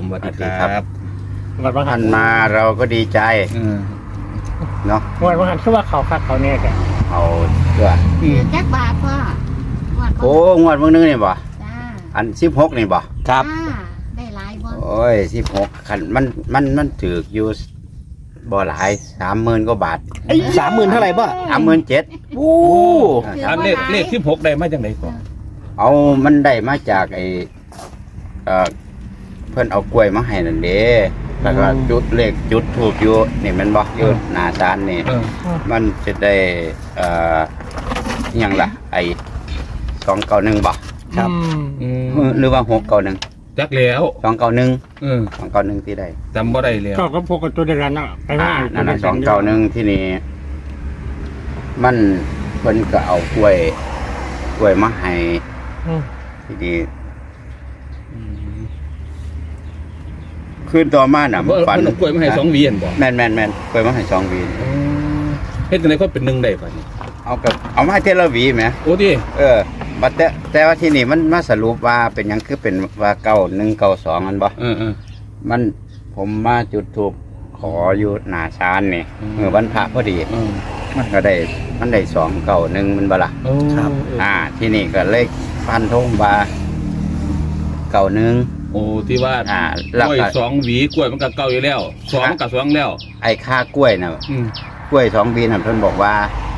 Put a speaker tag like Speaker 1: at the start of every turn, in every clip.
Speaker 1: สวัสดีครับ
Speaker 2: งวดบางหั
Speaker 3: ท่าน นมาเราก็ดีใจเนาะ
Speaker 2: งวดบางหันคือว่าเขาคักเขาเนี่ยกัน
Speaker 3: เอาเพื่อ
Speaker 4: แจ็คบาทพ่อ
Speaker 3: โอ้งวดมื้อนึงนี่บ่
Speaker 4: จ้า
Speaker 3: อัน16นี่บ่
Speaker 1: ครับ
Speaker 4: จ้าได้หลายบ่
Speaker 3: โอ้ย16คันมันถูกอยู่บ่หลาย 30,000 กว่าบาท
Speaker 1: 30,000เท่าไหร่ป่ะ
Speaker 3: 37,000
Speaker 1: โอ้
Speaker 4: ถือ
Speaker 5: อัน
Speaker 4: ว่า
Speaker 5: เลข
Speaker 4: หลาย
Speaker 5: เลข16ได้มาจากไหนก่อน
Speaker 3: เอามันได้มาจากไอ้เพิ่นเอากล้วยมาให้นั่นเด้แล้วก็จุดเลขจุดถูกอยู่นี่แมันบ่อยู่หน้าศาลนี่ มันจะได้อหยังล่ะไอ้291บ่
Speaker 1: ครับ
Speaker 3: หรือว่า691
Speaker 5: จักแล้ว
Speaker 3: 291
Speaker 5: เออ
Speaker 3: 291ที่ใด
Speaker 5: จำบ่ได้แล้ว
Speaker 2: ก็พวกกับตัวเดียวกันเนาะไปว่า
Speaker 3: นั่นน่ะ291ที่นี่มันเพิ่นก็เอากล้วยมาให้ที่นี่คืนต่อมาน่ะมันฝัน
Speaker 5: เพิ่นเอากล้วยมาให้2หวีหั่นบ่
Speaker 3: แม่นกล้วยมาให้2หวี
Speaker 5: เฮ็ดจังได๋ค่อยเป็น1ได้ป่ะนี่
Speaker 3: เอามาเทละหวีแหม
Speaker 5: โอ้ติ
Speaker 3: บัดแต่ว่าที่นี่มันมาสรุปว่าเป็นหยังคือเป็นว่า9192อันบ่
Speaker 5: เออ
Speaker 3: มันผมมาจุดธูปขออยู่หน้าศาลนี่
Speaker 5: อืม
Speaker 3: เมื่อวันพระพอดี มันก็ได้291มันบ่ล่ะ
Speaker 5: โอ้ครับ
Speaker 3: ที่นี่ก็เลยพันธงว่า91
Speaker 5: โอ้ที่ว่า
Speaker 3: แล้ว
Speaker 5: กล้วย
Speaker 3: ก็
Speaker 5: 2หวีกล้วยมันก็เก่าอยู่แล้ว2มันก็2แล้ว
Speaker 3: ไอ้ค่ากล้วยน่ะ
Speaker 5: อืม
Speaker 3: กล้วย2บีน่ะเพิ่นบอกว่า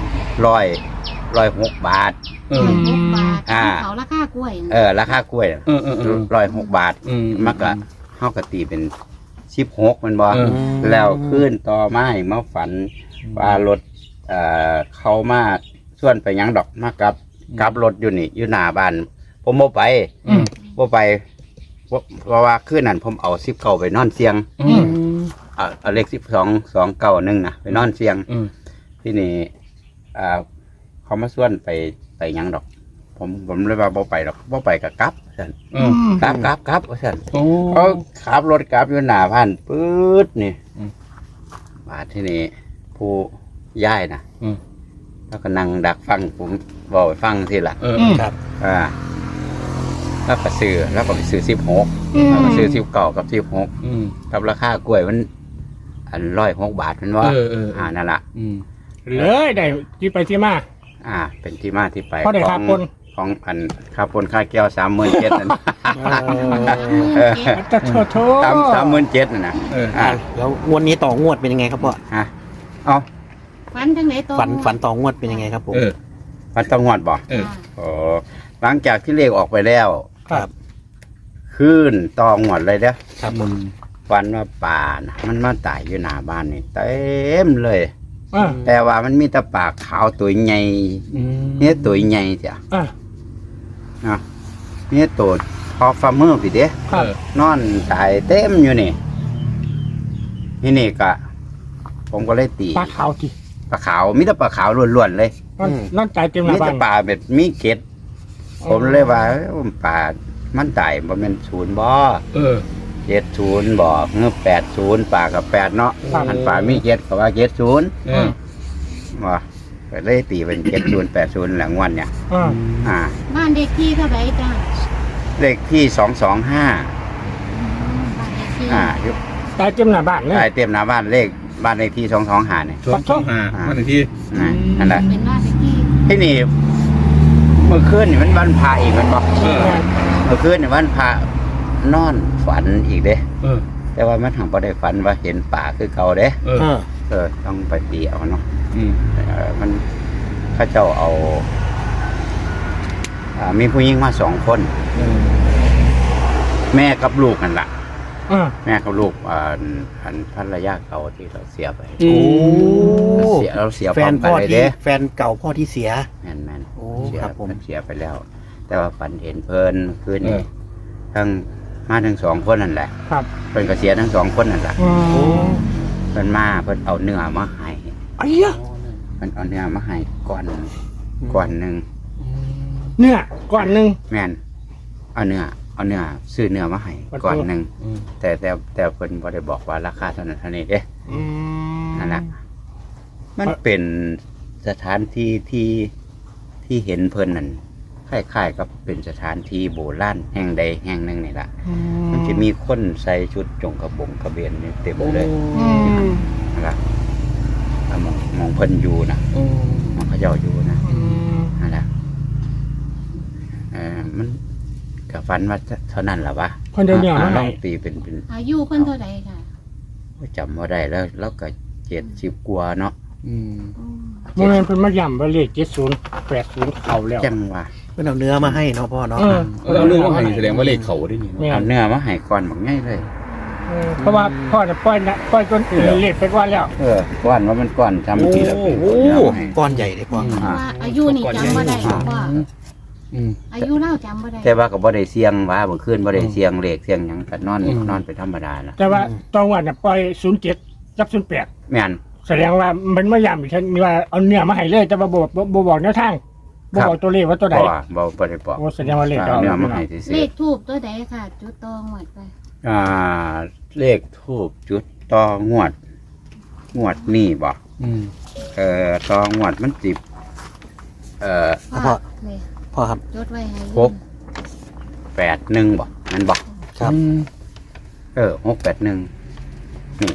Speaker 3: 106 บาท
Speaker 5: เออ
Speaker 4: 6 บาท
Speaker 3: อ่า
Speaker 4: เขาราคากล้วย
Speaker 3: ราคากล้วยน่ะ
Speaker 5: เออ
Speaker 3: 106 บาท
Speaker 5: อืม
Speaker 3: มันก็เฮาก็ตีเป็น16มันบ่
Speaker 5: เออ
Speaker 3: แล้วขึ้นต่อมาให้มาฝันว่ารถเขามาส่วนไปหยังดอกมากับรถอยู่นี่อยู่หน้าบ้านผมบ่ไป
Speaker 5: อืม
Speaker 3: บ่ไปเพราะว่าคืนนั้นผมเอา19ไปนอนเสียง
Speaker 5: อืม
Speaker 3: เอาเลข291นะไปนอนเสียง
Speaker 5: อืม
Speaker 3: ที่นี่เขามาส่วนไปหยังดอก ผมเลยว่าบ่ไปดอกบ่ไปก็กลับซั่น
Speaker 5: เออก
Speaker 3: ลับว่าซั่น
Speaker 5: โอ้
Speaker 3: เขาขับรถกลับอยู่หน้าบ้านปื๊ดนี่
Speaker 5: อืม
Speaker 3: บาดที่นี่ผู้ย้ายนะ
Speaker 5: อืม
Speaker 3: แล้วก็นั่งดักฟังผมบอกให้ฟังทีละ
Speaker 5: เออ
Speaker 1: ครับ
Speaker 3: แล้วก็ซื้อแล้วก็ไปซื้อ16แล้วก็ซื้อ19กับ16
Speaker 5: อืม
Speaker 3: กับราคากล้วยมันอัน106 บาทมันว่า
Speaker 5: เออ
Speaker 3: นั่นล่ะ
Speaker 5: อืม
Speaker 2: เลยได้ที่ไปที่มา
Speaker 3: เป็นที่มาที่ไป
Speaker 2: เพราะได้ค่าปน
Speaker 3: ของอันค่าปนค่าแก้ว37,000นั่น
Speaker 2: จะโทษ
Speaker 3: 37,000นั่นนะ
Speaker 5: เออ
Speaker 1: แล้วงวดนี้ต่องวดเป็นยังไงครับพ่อ
Speaker 3: เอา
Speaker 4: ฟันจังไหนตัว
Speaker 1: ฝันต่องวดเป็นยังไงครับผม
Speaker 5: เออ
Speaker 3: มันต้องงวดบ่
Speaker 5: เออ
Speaker 3: โอ้หลังจากที่เลขออกไปแล้ว
Speaker 1: ครับ
Speaker 3: ขึ้นตองหมดเลยเด้อ
Speaker 1: ครับผม
Speaker 3: ฟันว่าป่านะมันมาตายอยู่หน้าบ้านนี่เต็มเลย
Speaker 2: อ่า
Speaker 3: แต่ว่ามันมีแต่ปากขาวตัวใหญ่
Speaker 5: อืม
Speaker 3: เนี่ยตัวใหญ่จ้ะ
Speaker 2: อ่า
Speaker 3: เนี่ยตัวพอฟาร์มเมอร์พี่เด้
Speaker 2: ครับ
Speaker 3: นอนตายเต็มอยู่นี่นี่ก็ผมก็เลยตี
Speaker 2: ปลาขาวจี
Speaker 3: ปลาขาวมีแต่ปลาขาวล้วนๆเลย
Speaker 2: นั่นใจเต็มห
Speaker 3: มี
Speaker 2: น้าบ้า
Speaker 3: แต่
Speaker 2: น
Speaker 3: ปลาแบบมีเกล็ดผมเลยว่าปลามันตายบ่แม่นศูนย์บ่
Speaker 5: เออ
Speaker 3: 70บ่เงือ80ปลากับ8เนาะ
Speaker 2: ครับ
Speaker 3: อันปลามี7ก็ว่า70
Speaker 5: เออ
Speaker 3: บ่ก็เลยตีเป็น70 80หลังวันเนี่ย
Speaker 2: อ่า
Speaker 4: บ้านเด็กที่เท่าไหร่จ้า
Speaker 3: เลขที่225
Speaker 4: บ้านเด็กที่
Speaker 3: อยู่
Speaker 2: ใจเต็มหน้าบ้านเลย
Speaker 3: ใต้เต็มหน้าบ้านเลขบ้านเลขที่225เนี่ย
Speaker 5: 225มันอีกที
Speaker 3: นั่นแหละ
Speaker 4: เป็นบ้านเด็กที่
Speaker 3: ที่นี่เมื่อคืนนี่มันวันพระอีกมันบ่
Speaker 5: เออ
Speaker 3: เมื่อคืนนี่วันพระนอนฝันอีกเด้
Speaker 5: เออ
Speaker 3: แต่ว่ามันทางบ่ได้ฝันว่าเห็นป่าคือเก่าเด้
Speaker 5: เออ
Speaker 3: ต้องไปตีเอาเนาะ
Speaker 5: อืม
Speaker 3: มันเข้าเจ้าเอามีผู้หญิงมา2 คน แม่กับลูกนั่นล่ะ
Speaker 2: อ่า
Speaker 3: แม่กับลูกอันภรรยาเก่าที่เราเสียไป
Speaker 1: โอ้
Speaker 3: เราเสีย
Speaker 1: แฟ
Speaker 3: พร้อน มกั
Speaker 1: พ่
Speaker 3: น
Speaker 1: อ
Speaker 3: เลย
Speaker 1: ที่
Speaker 3: เด้
Speaker 1: แฟนเก่าพ่อที่เสีย
Speaker 3: แม่น
Speaker 1: โอ้
Speaker 3: เสีย
Speaker 1: ครับผม
Speaker 3: เสียไปแล้ว แต่ว่าฝันเห็นเพิ่นคืน
Speaker 5: เอ
Speaker 3: นี้
Speaker 5: อ
Speaker 3: ทั้ง2 คนนั่นแหละ
Speaker 2: ครับ
Speaker 3: เพิ่นก็เสียทั้ง2 คนนั่นแหละ
Speaker 2: อืม
Speaker 3: เพิ่นเอาเนื้อมาให้
Speaker 1: ไอ้เหี้ย
Speaker 3: เพิ่นเอาเนื้อมาให้ก่อนหนึ่ง
Speaker 2: เนี่ยก่อนหนึ่ง
Speaker 3: แม่นเอาเนื้อซื้อเนื้อมาให้ก่อนหนึ่ง
Speaker 5: อืม
Speaker 3: แต่เพิ่นบ่ได้บอกว่าราคาเท่านั้นเท่านี้เด้
Speaker 2: อืม
Speaker 3: นั่นแหละมันเป็นสถานที่ที่เห็นเพิ่นนั่นคล้ายๆกับเป็นสถานที่โบราณแห่งใดแห่งหนึ่งนี่ล่ะมันจะมีคนใส่ชุดจงกระบงกระเบนนี่เต็มเลยนะครับมองเพิ่นอยู่นะมองเขาเจ้าอยู่นะนั่นแหละมันกับฟันว่าเท่านั้นแหละวะ
Speaker 2: คนเดียวเนี่ย
Speaker 3: ลองตีเป็น
Speaker 4: อายุเพิ่นเท่าใดค่ะ
Speaker 3: จำว่าได้แล้วก็70 กว่าเนาะ
Speaker 4: อืม
Speaker 2: โมเมนต์เพิ่นมาย่ำว่าเลข7080เข้าแล้ว
Speaker 3: จังว่า
Speaker 1: เป็นเอาเนื้อมาให้เนาะพ่อเนาะ
Speaker 5: เราเรื่องว่าให้แสดงว่าเลขเขาได้นี่
Speaker 2: เนี่ย
Speaker 3: เอาเนื้อมาให้ก่อนบักง่ายเลย
Speaker 2: เพราะว่าพ่อจะปล่อยจนอื่นเลขไปก่อนแล้ว
Speaker 3: ก้อนว่ามันก้อนทำทีละเป็นก้อนเนื้อมาให้
Speaker 1: ก้อนใหญ่เลยพ่อ
Speaker 4: เพราะว่าอายุนี่จำบ่ได้หรอกว่า
Speaker 5: อืม
Speaker 4: อายุเล่าจำบ่ได้
Speaker 3: แต่ว่าก็บ่ได้เสียงว่าเมื่อคืนบ่ได้เสียงเลขเสียงหยังก็นอนไปธรรมดาล่ะ
Speaker 2: แต่ว่าตอนวันน่ะปล่อย07กับ08
Speaker 3: แม่น
Speaker 2: แสดงว่ามันมาย่ำอีกทีว่าเอาเนื้อมาให้เลยแต่ว่าบ่บอกแนวทางบ่บอกตัวเลขว่าตัวใด
Speaker 3: เพราะว่าบ่ได้บอก
Speaker 2: โอ้แสดงว่าเลข
Speaker 3: เอาเนื้อมาให้ซื่
Speaker 4: เล
Speaker 3: อ
Speaker 4: ขทูบตัวใดค่ะ จุดตองหมดไป
Speaker 3: เลขทูบจุดต่องวดนี่บ่
Speaker 5: อืม
Speaker 3: ต่องวดมันสิ
Speaker 1: พ่อ
Speaker 4: พ่อเลย
Speaker 1: พ่อครับ
Speaker 4: จดไว้ให้
Speaker 3: 681บ่นั่นบ่
Speaker 1: ครับ
Speaker 3: 681นี่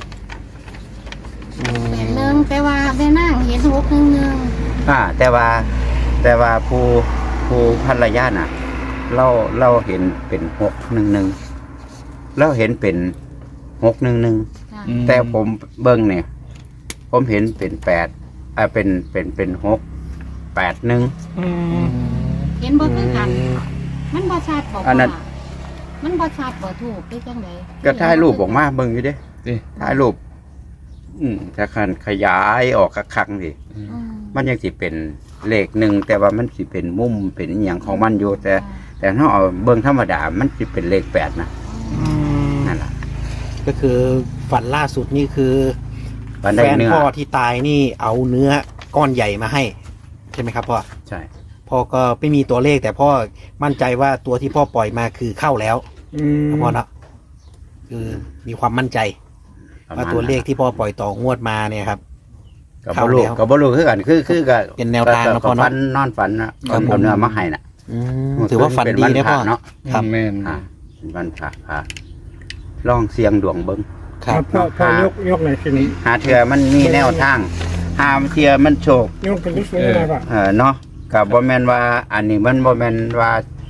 Speaker 4: 81แต่ว่าแม่นางเห็น611
Speaker 3: แต่ว่าผู้ภรรยาน่ะเราเห็นเป็น611เราเห็นเป็น611
Speaker 4: ค่ะ
Speaker 3: แต่ผมเบิ่งเนี่ยผมเห็นเป็น8เป็น681
Speaker 4: เห็นบ่คือกัน มันบ่ชัดบ่
Speaker 3: อันนั้น
Speaker 4: ว่ามันบ่ชัดบ่ถูกไปจังได๋
Speaker 3: ก็ถ่ายรูปออกมาเบิ่งอยู่เด้
Speaker 5: นี่
Speaker 3: ถ่ายรูปถ้าคันขยายออกคักๆสิ
Speaker 4: อืม
Speaker 3: มันยังสิเป็นเลขหนึ่งแต่ว่ามันสิเป็นมุมเป็นอหย่างของมันอยู่แต่ถ้าเอาเบิ่งธรรมดามันสิเป็นเลข8นะนั่นล่ะ
Speaker 1: ก็คือฝันล่าสุดนี่คือ
Speaker 3: มัน
Speaker 1: แฟ
Speaker 3: ได้
Speaker 1: น
Speaker 3: เนื้อ
Speaker 1: พ่อที่ตายนี่เอาเนื้อก้อนใหญ่มาให้ ใช่ไหมครับพ่อ
Speaker 3: ใช่
Speaker 1: พ่อก็ไม่มีตัวเลขแต่พ่อมั่นใจว่าตัวที่พ่อปล่อยมาคือเข้าแล้วพ่อเนาะคือมีความมั่นใจ
Speaker 3: ประ
Speaker 1: ว่า
Speaker 3: มาณ
Speaker 1: ตัวเลข
Speaker 3: นั้น
Speaker 1: ที่พ่อปล่อยต่องวดมาเนี่ยครับ
Speaker 3: ก็
Speaker 1: เข้า
Speaker 3: บ่รู้
Speaker 1: แล้ว
Speaker 3: ก็บ่รู้คือกันคือก็
Speaker 1: เป็นแนวทางนะพ่อเนาะ
Speaker 3: ฝันนอนฝันนะครับ
Speaker 1: ผม
Speaker 3: เอาเนื้อมาให้น่ะ
Speaker 1: ถือว่าฝันดีนะพ่อ
Speaker 3: เนาะ
Speaker 1: ครับ
Speaker 5: แม่น
Speaker 3: เป็นวันพระลองเสียงดวงเบิ่ง
Speaker 1: ครับ
Speaker 2: พ่อยกหน่อยสิ
Speaker 3: หาเทื่อมันมีแนวทางหาเทื่อมันโชค
Speaker 2: ยกเป็นลูกเสือได้ป่ะ
Speaker 3: เนาะกับบ่แม่นว่า อันนี้มันบ่แม่นว่า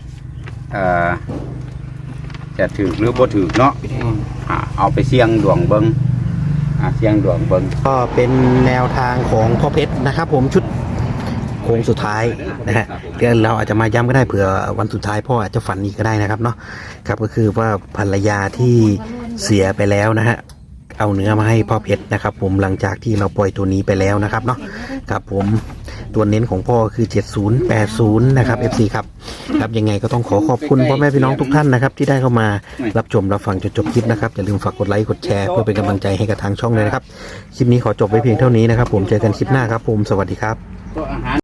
Speaker 3: จะถือหรือบ่ถือเนาะเอาไปเสี่ยงดวงเบิ่งเสี่ยงดวงเบิ่ง
Speaker 1: ก็เป็นแนวทางของพ่อเพชรนะครับ ผมชุดโค้งสุดท้ายนะฮะเดี๋ยวเราอาจจะมาย้ำก็ได้เผื่อวันสุดท้ายพ่ออาจจะฝันอีกก็ได้นะครับเนาะครับก็คือว่าภรรยาที่เสียไปแล้วนะฮะเอาเนื้อมาให้พ่อเพชรนะครับ ผมหลังจากที่เราปล่อยตัวนี้ไปแล้วนะครับเนาะครับผมตัวเน้นของพ่อคือ7080นะครับ FC ครับครับยังไงก็ต้องขอขอบคุณพ่อแม่พี่น้องทุกท่านนะครับที่ได้เข้ามารับชมรับฟังจนจบคลิปนะครับอย่าลืมฝากกดไลค์กดแชร์เพื่อเป็นกำลังใจให้กับทางช่องเลยนะครับคลิปนี้ขอจบไว้เพียงเท่านี้นะครับผมเจอกันคลิปหน้าครับผมสวัสดีครับ
Speaker 3: ตัวอาหาร